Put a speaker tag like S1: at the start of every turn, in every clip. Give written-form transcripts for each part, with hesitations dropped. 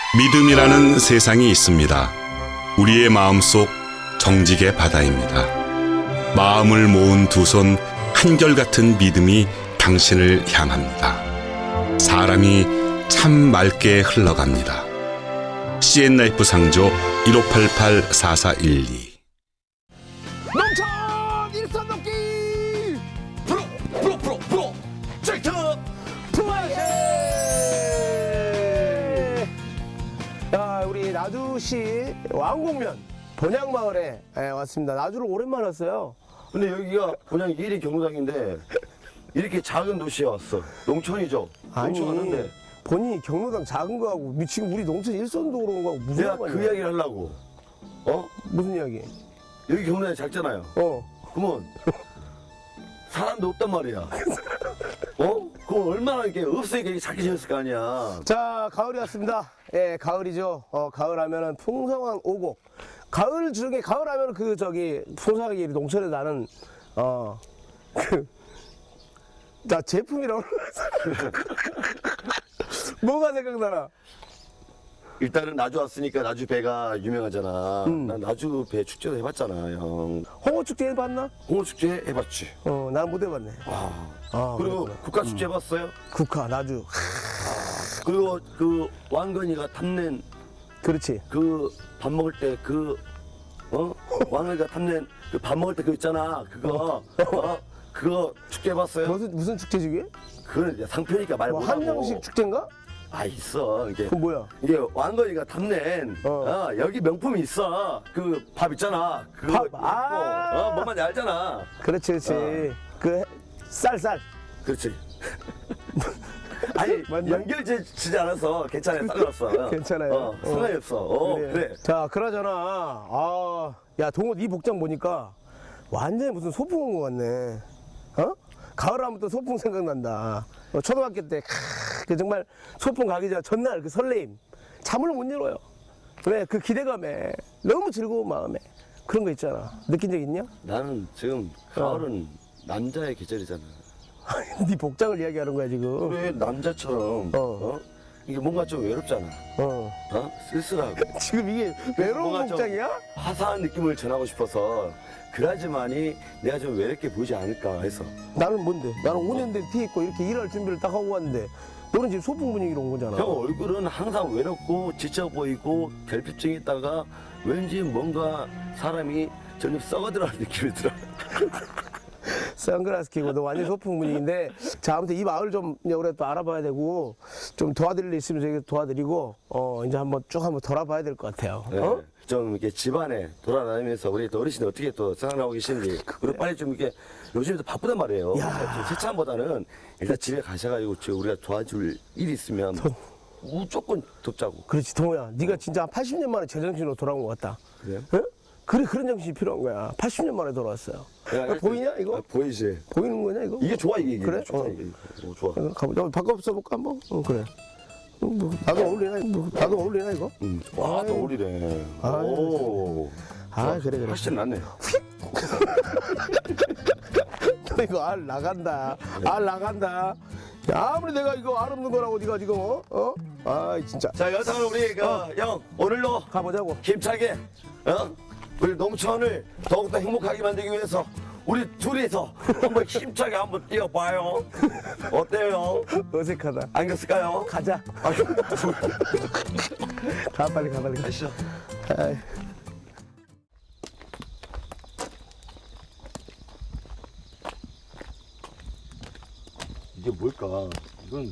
S1: 믿음이라는 세상이 있습니다. 우리의 마음속 정직의 바다입니다. 마음을 모은 두 손 한결같은 믿음이 당신을 향합니다. 사람이 참 맑게 흘러갑니다. CN라이프 상조 1588-4412.
S2: 농촌 일선 넘기 프로젝트 품앗이. 자, 우리 나주시 왕곡면 본향마을에 왔습니다. 나주를 오랜만에 왔어요.
S3: 근데 여기가 그냥 일이 경로당인데 이렇게 작은 도시에 왔어. 농촌이죠. 농촌 왔는데
S2: 본인이 경로당 작은 거하고 지금 우리 농촌 일선도로 온 거하고 무슨
S3: 내가
S2: 상관이야?
S3: 그 이야기를 하려고.
S2: 무슨 이야기?
S3: 여기 경로당이 작잖아요. 그러면 사람도 없단 말이야. 그럼 얼마나 이렇게 없으니까 이렇게 작게 지었을 거 아니야.
S2: 자, 가을이 왔습니다. 예, 가을이죠. 가을 하면은 풍성한 오곡. 가을 중에 가을 하면은 풍성하게 농촌에 나는 자, 제품이라고 뭐가 생각나나?
S3: 일단은 나주 왔으니까 나주 배가 유명하잖아. 난 나주 배 축제도 해봤잖아, 형.
S2: 홍어축제 해봤나?
S3: 홍어축제 해봤지.
S2: 난 못 해봤네.
S3: 그리고
S2: 그렇구나.
S3: 국가축제 해봤어요?
S2: 국화, 나주.
S3: 그리고 그 왕건이가 탐낸
S2: 그렇지.
S3: 그 밥 먹을 때 왕건이가 탐낸 그 밥 먹을 때 그거 있잖아. 그거 축제 해봤어요?
S2: 무슨 축제지, 그게?
S3: 그건 이제 상표니까 말
S2: 뭐
S3: 못하고.
S2: 한정식 축제인가?
S3: 있어. 이게
S2: 그건 뭐야?
S3: 이게 왕건이가 탐낸 여기 명품이 있어. 그 밥 있잖아. 그거
S2: 밥,
S3: 있고, 뭔 말인지 알잖아.
S2: 그렇지, 그렇지. 쌀.
S3: 그렇지. 아니
S2: 맞나?
S3: 연결되지 않아서 괜찮아요. 상관없어.
S2: 괜찮아요.
S3: 상관이 없어. 그래.
S2: 자, 그러잖아. 야, 동호 네 복장 보니까 완전히 무슨 소풍 온 것 같네. 가을 하면 또 소풍 생각난다. 초등학교 때, 그 정말 소풍 가기 전날 그 설레임. 잠을 못 이뤄요. 왜? 그 기대감에. 너무 즐거운 마음에. 그런 거 있잖아. 느낀 적 있냐?
S3: 나는 지금 가을은 남자의 계절이잖아.
S2: 네 복장을 이야기하는 거야, 지금.
S3: 그래 남자처럼 이게 뭔가 좀 외롭잖아. 쓸쓸하고
S2: 지금 이게 외로운
S3: 뭔가 좀
S2: 복장이야?
S3: 화사한 느낌을 전하고 싶어서 그래야지만이 내가 좀 외롭게 보이지 않을까 해서.
S2: 나는 뭔데? 나는 5년 된 티 입고 이렇게 일할 준비를 딱 하고 왔는데 너는 지금 소풍 분위기로 온 거잖아.
S3: 형 얼굴은 항상 외롭고 지쳐 보이고 결핍증이 있다가 왠지 뭔가 사람이 점점 썩어들어가는 느낌이 들어.
S2: 선글라스 끼고 너 완전 소풍 분위기인데, 자, 아무튼 이 마을 좀 우리가 또 알아봐야 되고 좀 도와드릴 일 있으면 저희 도와드리고 이제 한번 쭉 한번 돌아봐야 될 것 같아요.
S3: 네. 좀 이렇게 집안에 돌아다니면서 우리 또 어르신이 어떻게 또 생각하고 계시는지 그리고 빨리 좀 이렇게 요즘에 바쁘단 말이에요.
S2: 야.
S3: 세차보다는 일단 집에 가셔가지고 우리가 도와줄 일이 있으면 무조건 돕자고.
S2: 그렇지, 동호야. 네가 진짜 한 80년 만에 제정신으로 돌아온 것 같다.
S3: 그래요?
S2: 응? 그래, 그런 정신이 필요한 거야. 80년 만에 돌아왔어요. 보이냐, 이거?
S3: 보이지.
S2: 보이는 거냐, 이거?
S3: 이게 좋아 이게.
S2: 그래?
S3: 좋다 이게. 좋아.
S2: 가보자. 바꿔 써볼까, 한번? 그래. 나도 어울리나, 나도 어울리나, 이거?
S3: 와, 또 어울리네. 오.
S2: 그래.
S3: 훨씬 낫네.
S2: 너 이거 알 나간다. 알 나간다. 야, 아무리 내가 이거 알 없는 거라고 네가 지금 진짜.
S3: 자, 여튼 우리 형 오늘로
S2: 가보자고.
S3: 힘차게 우리 농촌을 더욱더 행복하게 만들기 위해서 우리 둘이서 한번 힘차게 한번 뛰어봐요. 어때요?
S2: 어색하다.
S3: 안겼을까요?
S2: 가자. 가, 빨리 가.
S3: 가시죠.
S2: 아이.
S3: 이게 뭘까? 이건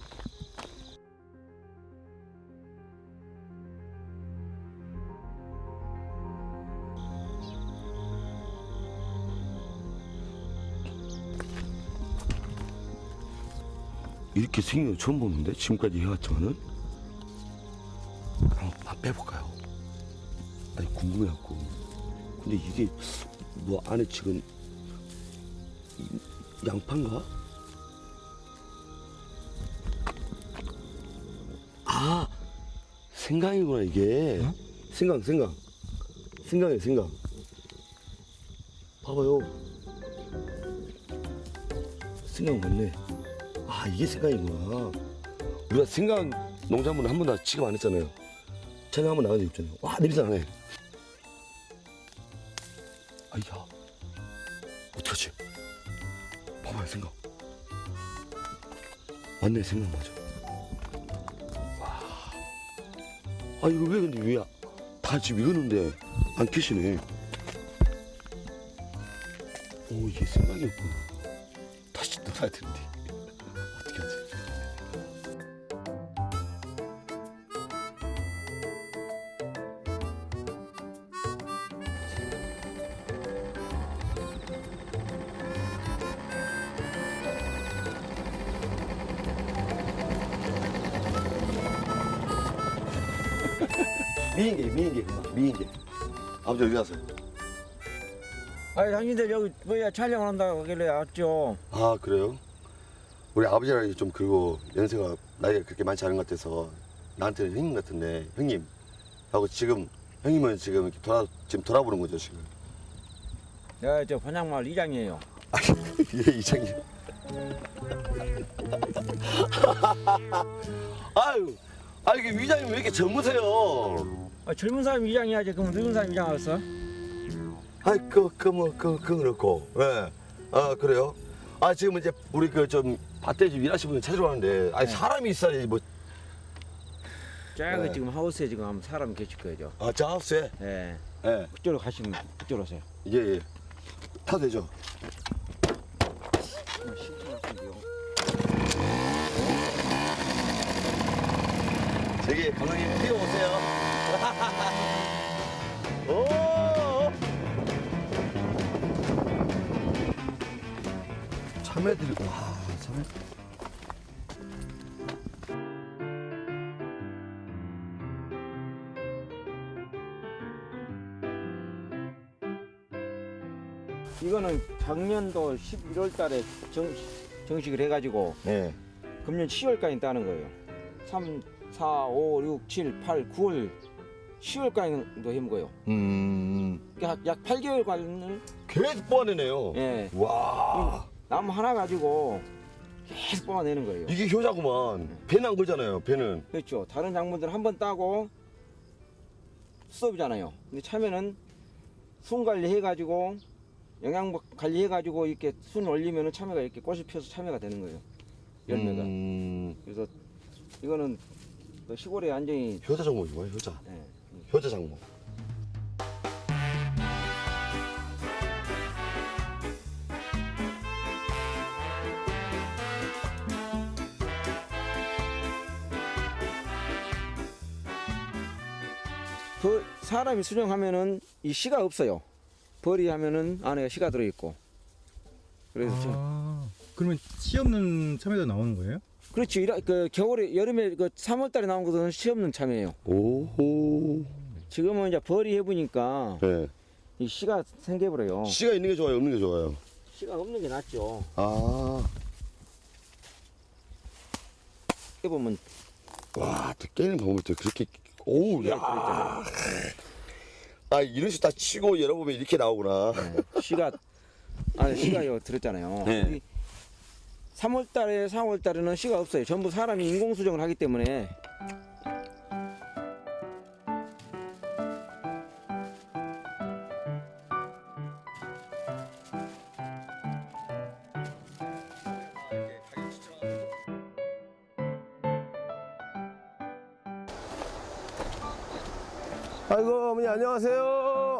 S3: 이렇게 생긴 거 처음 보는데 지금까지 해왔지만은 한번 빼볼까요? 아니 궁금해갖고. 근데 이게 뭐 안에 지금 양파인가? 생강이구나 이게. 생강이에요. 생강. 봐봐요. 생강 맞네. 이게 생강이구나. 우리가 생강 농작물을 한 번도 취급 안 했잖아요. 전화 한번 나간 적 있잖아요. 와, 냄새 나네. 아이야. 어떡하지? 봐봐요, 생각. 맞네, 생각 맞아. 와. 아, 이거 왜 근데 왜 다 지금 익었는데 안 켜시네. 오, 이게 생각이 없구나. 다시 넣어야 되는데. 어떻게 하지? 미인계. 아버지 어디 가세요?
S4: 아니 당신들 여기 뭐야 촬영을 한다고 하길래 왔죠.
S3: 아, 그래요? 우리 아버지랑 좀 그리고 연세가 나이가 그렇게 많지 않은 것 같아서 나한테는 형님 같은데 형님 하고 지금 형님은 지금 이렇게 지금 돌아보는 거죠 지금.
S4: 내가 저 번양마을 이장이에요.
S3: 예, 이장님. 아유, 이게 이장님 왜 이렇게 젊으세요?
S4: 아, 젊은 사람 이장이야지. 그럼 늙은 사람 이장 알았어?
S3: 아이, 그거 그렇고, 예. 아, 그래요? 아, 지금 이제 우리 그 좀 밭에 좀 일하시는 분 찾으러 가는데, 아니, 사람이 있어야지 뭐.
S4: 저기
S3: 네.
S4: 지금 하우스에 지금 아마 사람 계실 거예요.
S3: 아, 저 하우스에?
S4: 예.
S3: 예.
S4: 그쪽으로 가시면 그쪽으로 오세요.
S3: 예. 타도 되죠? 저기 감독님 뛰어오세요. 오! 참외들이 와, 참외.
S4: 이거는 작년도 11월 달에 정식을 해가지고
S3: 네.
S4: 금년 10월까지 따는 거예요. 3, 4, 5, 6, 7, 8, 9월 10월까지도 해먹은 거예요. 그러니까 약 8개월간을
S3: 계속 뽑아내네요.
S4: 예.
S3: 와.
S4: 나무 하나 가지고 계속 뽑아내는 거예요.
S3: 이게 효자구만. 배는 안 걸잖아요, 배는.
S4: 그렇죠. 다른 작물들은 한 번 따고 수업이잖아요. 근데 참외는 순 관리해가지고 영양 관리해가지고 이렇게 순 올리면은 참외가 이렇게 꽃이 피어서 참외가 되는 거예요. 열매가. 그래서 이거는 그 시골에 완전히
S3: 효자 작목이 뭐예요, 효자?
S4: 예.
S3: 효자 작목.
S4: 그 사람이 수정하면은 이 씨가 없어요. 벌이 하면은 안에 씨가 들어 있고. 그래서 좀
S5: 그러면 씨 없는 참외도 나오는 거예요?
S4: 그렇지. 그 겨울에 여름에 그 3월달에 나온 것은 씨 없는 참외예요.
S3: 오호.
S4: 지금은 이제 벌이 해보니까
S3: 네.
S4: 이 씨가 생겨버려요.
S3: 씨가 있는 게 좋아요, 없는 게 좋아요?
S4: 씨가 없는 게 낫죠.
S3: 아.
S4: 해보면
S3: 와, 또 깨는 방법도 그렇게. 오우, 야. 아, 이런 식다 치고 열어보면 이렇게 나오구나.
S4: 네, 씨가 안에 씨가 들었잖아요.
S3: 네.
S4: 3월달에 4월달에는 씨가 없어요. 전부 사람이 인공 수정을 하기 때문에.
S2: 아이고 어머니 안녕하세요.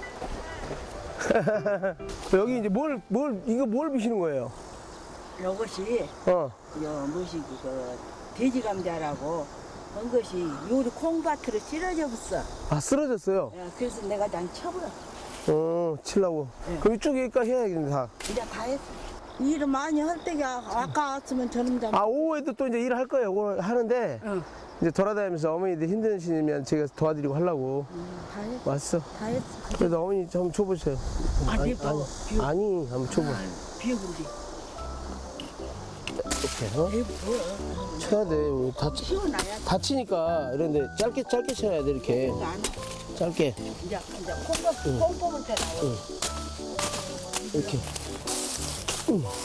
S2: 여기 이제 이거 뭘 비시는 거예요?
S6: 이것이
S2: 어.
S6: 뭐시 그 돼지 감자라고 한 것이 요리 콩밭으로 찌러져 붙어.
S2: 아 쓰러졌어요.
S6: 그래서 내가 난 쳐버려.
S2: 치려고.
S6: 네.
S2: 그럼 이쪽에까지 해야겠네 다.
S6: 이제 다 했어. 일을 많이 할 때가 아까 왔으면 저놈 잡.
S2: 아 오후에도 또 이제 일을 할 거예요. 오늘 하는데
S6: 응.
S2: 이제 돌아다니면서 어머니들 힘드시면 제가 도와드리고 하려고
S6: 다 했어.
S2: 왔어.
S6: 다 했어.
S2: 그래도 어머니 한번 쳐보세요.
S6: 아니 뭐
S2: 아니 한번 쳐봐.
S6: 비우는데.
S2: 이렇게 어?
S6: 뭐
S2: 쳐야 돼.
S6: 시원해야
S2: 다치니까 이런데 짧게 쳐야 돼 이렇게
S6: 안
S2: 짧게
S6: 이제 콩 뽑을 때 나와.
S2: 이렇게.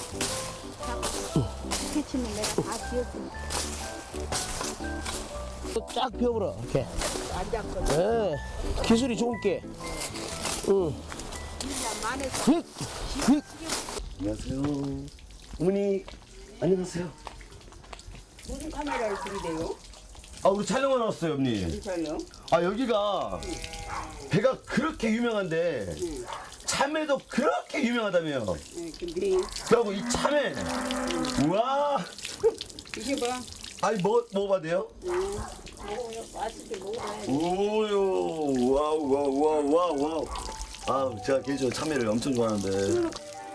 S6: 이렇게 치면 내가 다 비웠으니까.
S2: 쫙 펴버려 이렇게.
S6: 안 잡거든.
S2: 예. 기술이 좋은 게. 응.
S6: 진짜 만에서
S2: 휙, 휙.
S3: 안녕하세요. 어머니 안녕하세요.
S6: 무슨 카메라를 들이대요?
S3: 아 우리 촬영하러 왔어요, 언니.
S6: 촬영?
S3: 아 여기가 배가 그렇게 유명한데 참외도 그렇게 유명하다며.
S6: 네, 근데
S3: 그리고 이 참외, 우와.
S6: 이게 봐.
S3: 아니 먹어봐도 돼요?
S6: 먹어요. 맛있게 먹어요.
S3: 오요, 와우. 아 제가 개인적으로 참외를 엄청 좋아하는데.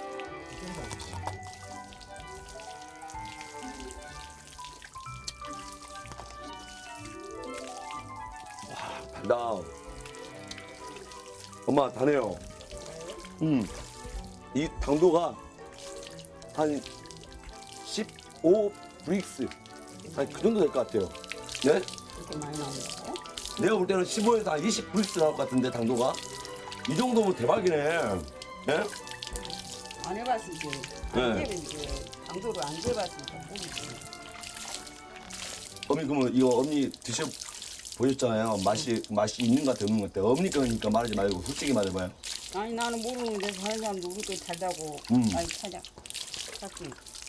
S3: 나 엄마 다네요. 이 당도가 한 15 브릭스 한 그 정도 될 것 같아요. 네?
S6: 이렇게 많이 나오는
S3: 내가 볼 때는 15에서 한 20 브릭스 나올 것 같은데 당도가 이 정도면 대박이네. 예?
S6: 안 해봤으니까.
S3: 네.
S6: 안 재면 이제 강도를 안 재봤으니까 모르지.
S3: 어머니 그러면 이거 어머니 드셔 보셨잖아요. 맛이 있는 것 같아 없는 것 같아. 어머니 거니까 말하지 말고 솔직히 말해봐요.
S6: 아니 나는 모르는데 다른 사람도 우리 거 잘다고 많이 찾아. 찾고.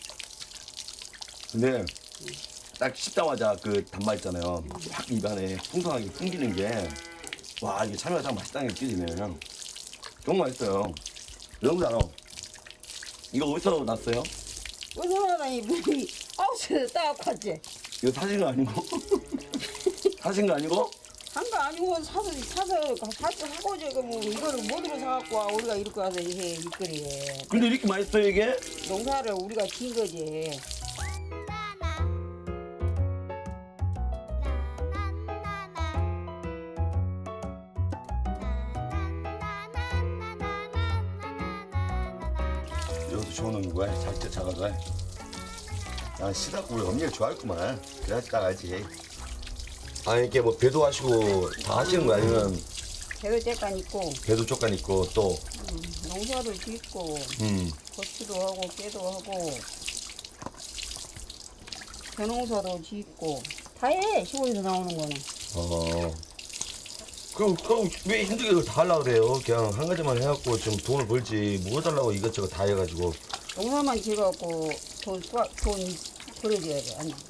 S3: 근데 딱 씹자마자 그 단맛 있잖아요. 확 입안에 풍성하게 풍기는 게 와 이게 참외가 참 맛있다는 게 느껴지네. 정말 맛있어요. 여러분 알아. 이거 어디서 났어요?
S6: 어디서 나다니 물이 아우스에서 따갖고 왔지.
S3: 이거 사신 거 아니고? 사신 거 아니고?
S6: 한 거 아니고 사서 하고 저거 뭐 이거를 뭐로 사갖고 와 우리가 이렇게 와서 해 이거리에
S3: 근데 이렇게 맛있어요 이게?
S6: 농사를 우리가 진 거지.
S3: 이것도 좋은 거야. 작게 작아서. 난 시다고 우리 언니가 좋아했구만. 그래야지 나가지. 아 이렇게 뭐 배도 하시고 다 하시는 거 아니면
S6: 배도 째간 있고
S3: 배도 쪽간 있고 또
S6: 농사도 짓고 고추도 하고 깨도 하고 벼농사도 짓고 다 해 시골에서 나오는 거는.
S3: 그럼 왜 힘들게 그걸 다 하려고 그래요? 그냥 한 가지만 해갖고 좀 돈을 벌지 뭐 해달라고 이것저것 다 해가지고.
S6: 농사만 지어갖고 돈 벌어줘야 돼. 아니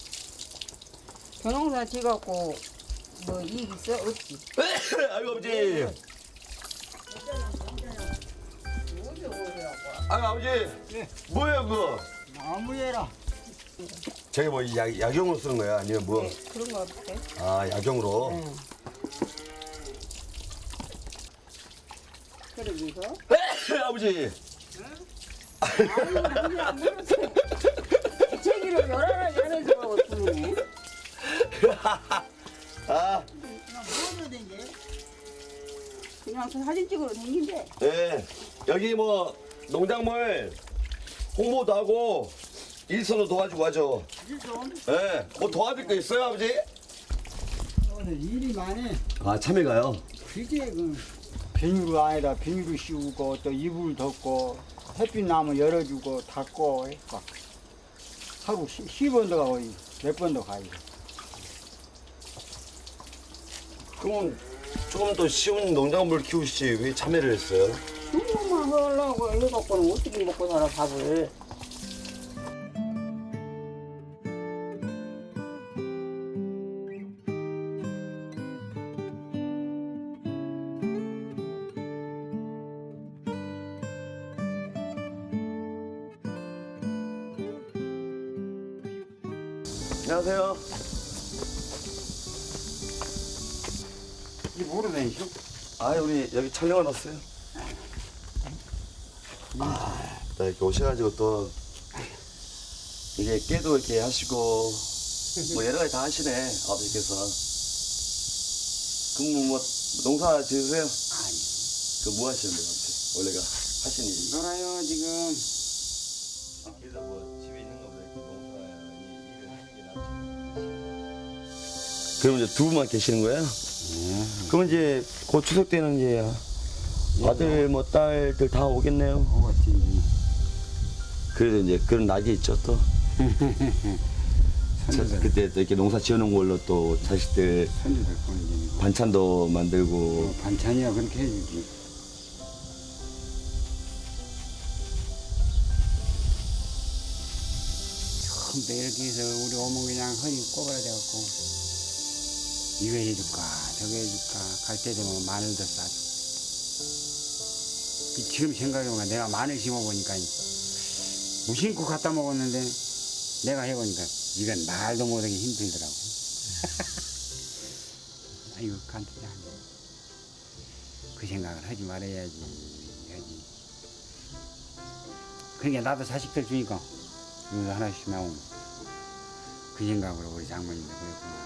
S6: 벼농사 지어갖고 뭐 이익 있어? 없지.
S3: 아이고 아버지. 아이고 아버지. 뭐예요 그거?
S7: 나무에라.
S3: 저게 뭐 약용으로 쓰는 거야? 아니면 뭐?
S6: 네, 그런 거 같아.
S3: 아 약용으로.
S6: 네. 그러면서
S3: 아버지.
S6: 제기를 여러 가지 안에서 주네.
S3: 아,
S7: 뭐로 된 게?
S6: 그냥 사진 찍으러 다니는데.
S3: 네. 여기 뭐 농작물 홍보도 하고 일선도 도와주고 하죠.
S7: 일손
S3: 네. 뭐 도와줄 거 있어요, 아버지?
S7: 오늘 일이 많네.
S3: 아, 참외가요?
S7: 그게 그 비닐을 안에다 비닐을 씌우고 또 이불 덮고 햇빛 나면 열어주고 닫고 해서 하루 10번도 가고 몇 번도 가요.
S3: 그럼 조금 더 쉬운 농작물 키우시지 왜 참외를 했어요?
S6: 수고만 하려고 해갖고는 어떻게 먹고 살아 밥을.
S3: 안녕하세요.
S7: 이 뭐로 다니죠?
S3: 아, 우리 여기 촬영을 왔어요. 아, 나 이렇게 오셔가지고 또 이게 깨도 이렇게 하시고 뭐 여러 가지 다 하시네 아버지께서. 그럼 뭐 농사 지으세요?
S7: 아니.
S3: 그 뭐 하시는데 아버지? 원래가 하시는 일이?
S7: 놀아요 지금.
S3: 그래서 뭐 집에 있는 거보다 이렇게 농사 일을 하는 게 낫지. 그럼 이제 두 분만 계시는 거예요? 그럼 이제 곧 추석 때는 이제 아들 뭐 딸들 다 오겠네요.
S7: 오겠지.
S3: 그래도 이제 그런 낙이 있죠 또. 그때 또 이렇게 농사 지어놓은 걸로 또 자식들
S7: 손주들 보는 게
S3: 반찬도 만들고.
S7: 반찬이야 그렇게 해주지. 처음부터 이렇게 해서 우리 어머니 그냥 허리 꼬부라져갖고 이거 해줄까 저거 해줄까 갈 때 되면 마늘도 싸주고. 지금 생각해보면 내가 마늘 심어보니까 무심코 갖다 먹었는데 내가 해보니까 이건 말도 못하기 힘들더라고. 아이고 간단해. 그 생각을 하지 말아야지. 그러니까 나도 자식들 주니까 이거 하나씩 나오고 그 생각으로 우리 장모님도 그랬구나.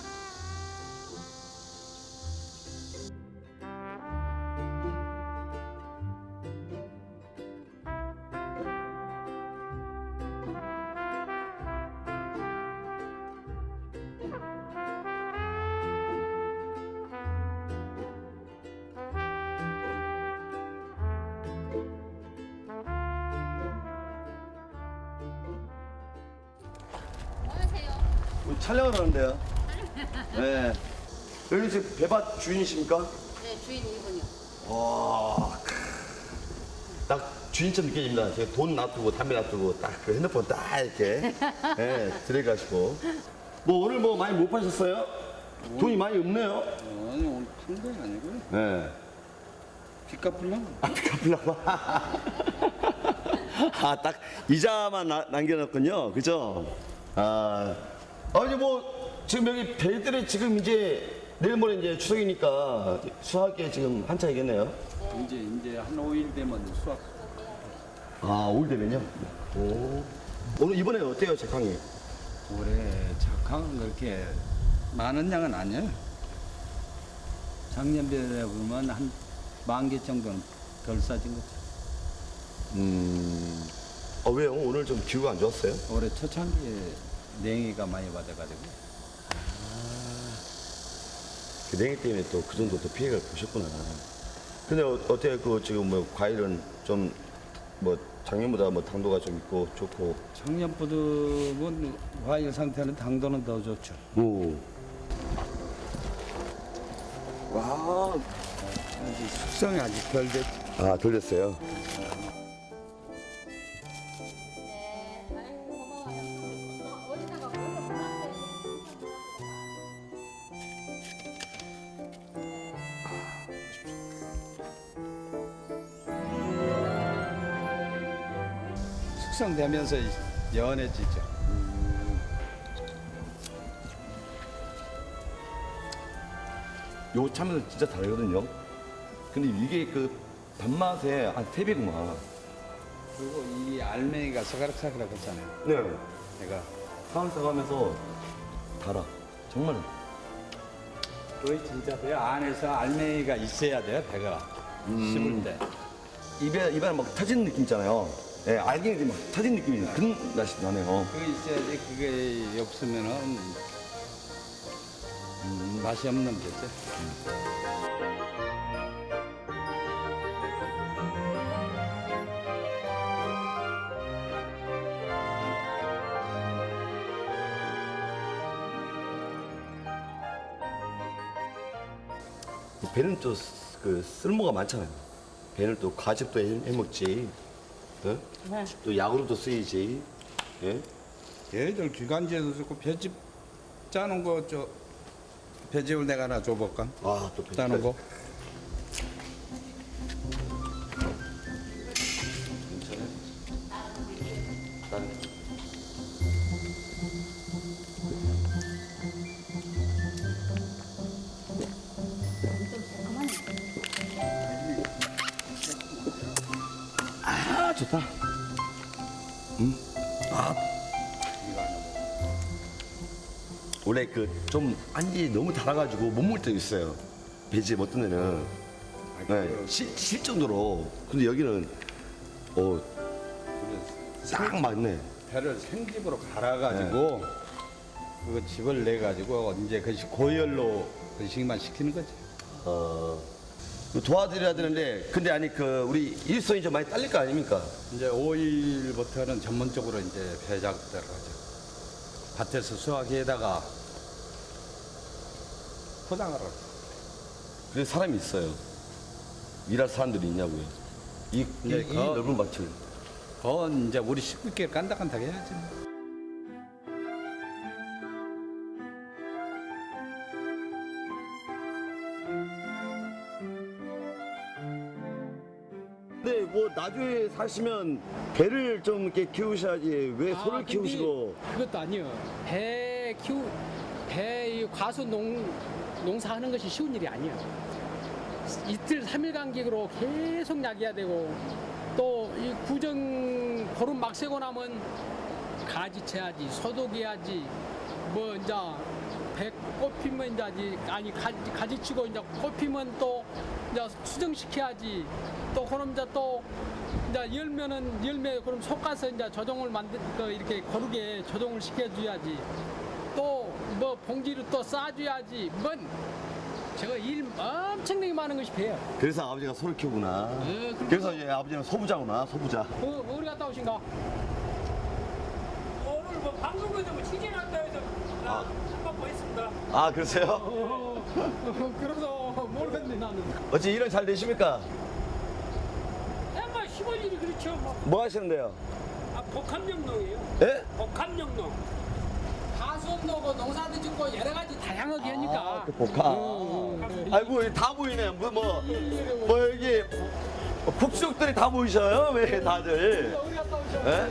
S3: 촬영을 하는데요. 네. 여기 지금 배밭 주인이십니까?
S8: 네, 주인 이분이요.
S3: 와, 딱 주인처럼 느껴집니다. 제가 돈 놔두고 담배 놔두고 딱 그 핸드폰 딱 이렇게 들어가시고. 뭐 오늘 뭐 많이 못 파셨어요? 돈이 많이 없네요.
S7: 아니 오늘 푼건 아니고요.
S3: 네.
S7: 빚 갚으려고.
S3: 빚 갚으려고. 아, 딱 이자만 남겨놨군요. 그죠? 아니 뭐 지금 여기 벨들이 지금 이제 내일 모레 이제 추석이니까 수학에 지금 한창이겠네요.
S7: 이제 한 5일 되면 수학.
S3: 아, 5일 되면요? 오. 오늘 이번에 어때요, 작황이?
S7: 올해 작황은 그렇게 많은 양은 아니에요. 작년에 보면 한 10,000개 정도는 덜 싸진 거죠.
S3: 왜요? 오늘 좀 기후가 안 좋았어요?
S7: 올해 초창기에 냉이가 많이 받아가지고.
S3: 그 냉이 때문에 또 그 정도 또 피해를 보셨구나. 근데 어때요? 그 지금 뭐 과일은 좀 뭐 작년보다 뭐 당도가 좀 있고 좋고.
S7: 작년보다 뭐 과일 상태는 당도는 더 좋죠.
S3: 오. 와.
S7: 아직 숙성이 아직 덜 됐죠.
S3: 아, 덜 됐어요.
S8: 네, 아이고 고마워요. 어디다가 벌써 보냈어요.
S7: 숙성되면서 연해지죠.
S3: 요 참은 진짜 다르거든요. 근데 이게 그 단맛에 한 3배구만.
S7: 그리고 이 알맹이가 사가락사가락 했잖아요.
S3: 네.
S7: 내가
S3: 사각사각하면서 달아. 정말.
S7: 거의 진짜 배 안에서 알맹이가 있어야 돼요, 배가. 씹을 때.
S3: 입에 막 터지는 느낌 있잖아요. 예, 알갱이들이 막 터지는 느낌이 그런 맛이 나네요.
S7: 그게 있어야지 그게 없으면은 맛이 없는 거죠.
S3: 배는 또 그 쓸모가 많잖아요. 배는 또 과즙도 해먹지. 어? 또 약으로도 쓰이지. 예?
S9: 얘들 기관지에서 쓰고 배즙 짜는 거 배즙을 내가 하나 줘볼까?
S3: 아, 또
S9: 짜는 거.
S3: 아, 좋다. 원래 그 좀 안이 너무 달아가지고 못 먹을 때도 있어요. 배즙 어떤 데는. 네, 실 정도로. 근데 여기는 딱 맞네.
S9: 배를 생집으로 갈아가지고 그거 즙을 내 가지고 이제 그것이 고열로 그식만 시키는 거지.
S3: 도와드려야 되는데 근데 아니 그 우리 일손이 좀 많이 딸릴 거 아닙니까?
S9: 이제 5일부터는 전문적으로 이제 배작 들어가죠. 밭에서 수확해다가 포장하러.
S3: 그래서 사람이 있어요. 일할 사람들이 있냐고요. 이 넓은 밭을.
S9: 그건 이제 우리 식구끼리 깐닥깐닥 해야지.
S3: 근데 뭐 나중에 사시면 배를 좀 이렇게 키우셔야지 왜 소를
S10: 근데
S3: 키우시고.
S10: 그것도 아니요. 배 과수 농사하는 것이 쉬운 일이 아니에요. 이틀 3일 간격으로 계속 약해야 되고 또 이 구정 보름 막 세고 나면 가지 채야지 소독해야지 뭐 이제 배 꽃피면 이제 아니 가지 치고 이제 꽃피면 또 이제 수정시켜야지 또 그럼 이제 또 이제 열매 그럼 솎아서 이제 조종을 이렇게 고르게 조종을 시켜줘야지 또 뭐 봉지를 또 싸줘야지 뭔 제가 일 엄청나게 많은 것이 배요.
S3: 그래서 아버지가 소를 키우구나. 그래서 이제 아버지는 소부자구나, 소부자.
S10: 어디 갔다 오신가?
S11: 오늘 뭐 방송국에서 뭐 취재한다 해서 한번 보였습니다.
S3: 아, 그러세요?
S10: 그래서 모르겠네 나는.
S3: 어찌 일은 잘 되십니까?
S11: 약간 시골 일이 그렇죠.
S3: 뭐 하시는데요?
S11: 복합영농이에요.
S3: 예?
S11: 복합영농.
S10: 가수업노고 농사도 짓고 여러 가지 다양하게 하니까.
S3: 그 복합. 아이고, 여기 다 보이네. 뭐 여기 국수족들이 다 보이셔요? 왜 다들?
S10: 어디 갔다 오셔?
S3: 예?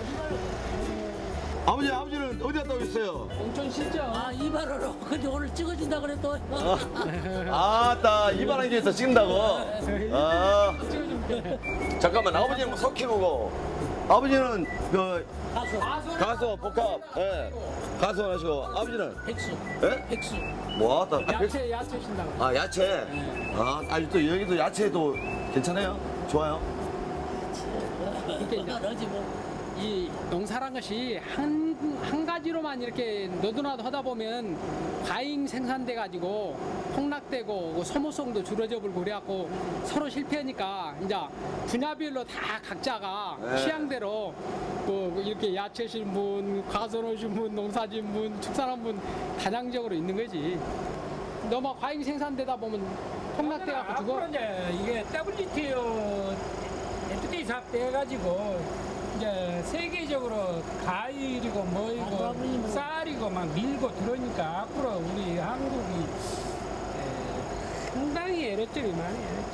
S3: 아버지는 어디 갔다 오셨어요?
S10: 온천 실죠.
S6: 이발하러. 근데 오늘 찍어준다 그래 또.
S3: 아따, 이발한 게 있어, 찍는다고? 아. 잠깐만, 아버지는 소 키우고, 아버지는 그, 가수, 복합, 예. 가수 하시고, 아버지는?
S6: 백수.
S3: 예?
S6: 백수.
S3: 뭐, 아따.
S10: 야채 신다고.
S3: 아, 야채. 아, 아니, 또 여기도 야채도 괜찮아요? 좋아요?
S6: 그러지 뭐.
S10: 이 농사란 것이 한 가지로만 이렇게 너도나도 하다 보면 과잉 생산돼 가지고 폭락되고 소모성도 줄어져 버리고 그래갖고 서로 실패하니까 이제 분야별로 다 각자가 취향대로 뭐 이렇게 야채 신분, 과수원 신분, 농사 신분, 축산한 분 다양적으로 있는 거지. 너무 과잉 생산되다 보면 폭락돼 갖고 죽어.
S11: 앞으로 이제 이게 WTO FTA 사업 돼가지고 이제 세계적으로 과일이고 뭐이고 쌀이고 막 밀고 들어오니까 앞으로 우리 한국이 상당히 애로점이 많아요.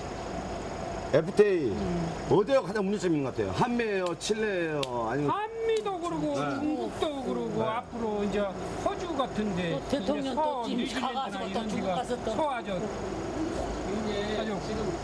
S3: FTA. 어디가 가장 문제점이 있는 것 같아요? 한미예요? 칠레예요? 아니면.
S11: 한미도 그러고 중국도 그러고 앞으로 이제 호주 같은데
S6: 또 대통령 또 찜
S11: 뉴질랜드나
S6: 가가지고 또
S11: 이런
S6: 중국
S11: 데가
S6: 가서 또.
S11: 소화죠.
S10: 이게 지금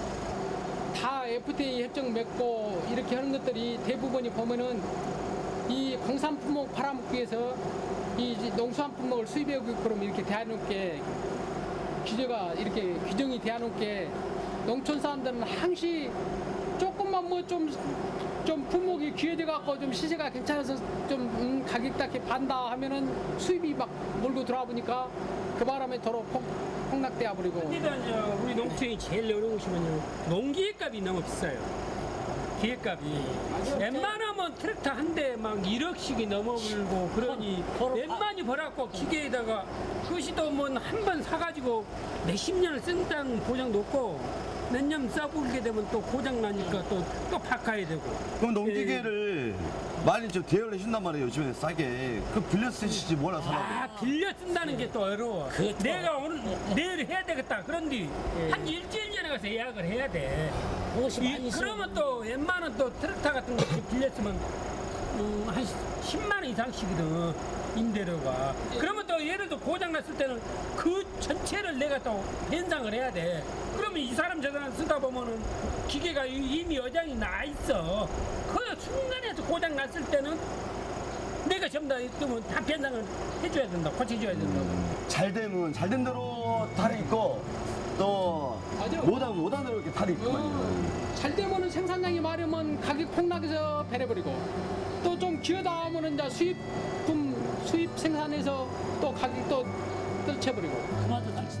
S10: 다 FTA 협정 맺고 이렇게 하는 것들이 대부분이 보면은 이 공산품목 팔아먹기 위해서 이 농수산품목을 수입해오게끔 이렇게 대해놓게 규제가 이렇게 규정이 대해놓게 농촌 사람들은 항시 조금만 뭐 좀 품목이 귀해져 갖고 좀 시세가 괜찮아서 좀 가격 딱히 반다 하면은 수입이 막 몰고 들어와 보니까 그 바람에 도로 폭락돼 버리고.
S11: 일단 이제 우리 농촌이 제일 어려운 것이 뭐냐면 농기계값이 너무 비싸요. 기계값이 웬만하면 트랙터 한 대 막 1억씩이 넘어불고 그러니 웬만히 벌었고 기계에다가 그것이 또 뭐 한 번 사가지고 몇십 년을 쓴다는 보장 높고 몇 년 써보게 되면 또 고장 나니까 또 바꿔야 되고.
S3: 그럼 농기계를 많이 좀 대여를 해준단 말이에요, 요즘에 싸게. 그 빌려 쓰시지 뭐라 사라고.
S11: 빌려 쓴다는 게 또 어려워. 내가 오늘 내일 해야 되겠다. 그런데 한 일주일 전에 가서 예약을 해야 돼. 그러면 또 웬만한 또 트랙터 같은 거 빌렸으면 한 10만 원 이상씩이든 임대료가. 그러면 또 예를 들어 고장 났을 때는 그 전체를 내가 또 변상을 해야 돼. 그러면 이 사람 저 사람 쓰다 보면은 기계가 이미 여장이 나 있어. 그 순간에 고장 났을 때는 내가 전부 다 있으면 다 변상을 해줘야 된다. 고쳐줘야 된다고.
S3: 잘 되면 잘 된 대로 탈이 있고 또 못하는 대로 이렇게 탈이 있거든요.
S10: 잘 되면은 생산량이 많으면 가격 폭락해서 배려버리고 또 좀 기어다 하면은 이제 수입 생산해서 또 가격 또 떨쳐버리고.
S6: 그만둬 당신.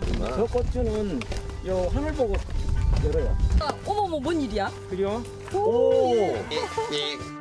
S4: 저 꽃주는 요 하늘 보고 열어요.
S6: 어머머 뭔 일이야?
S4: 그죠?
S6: 오.
S4: 오.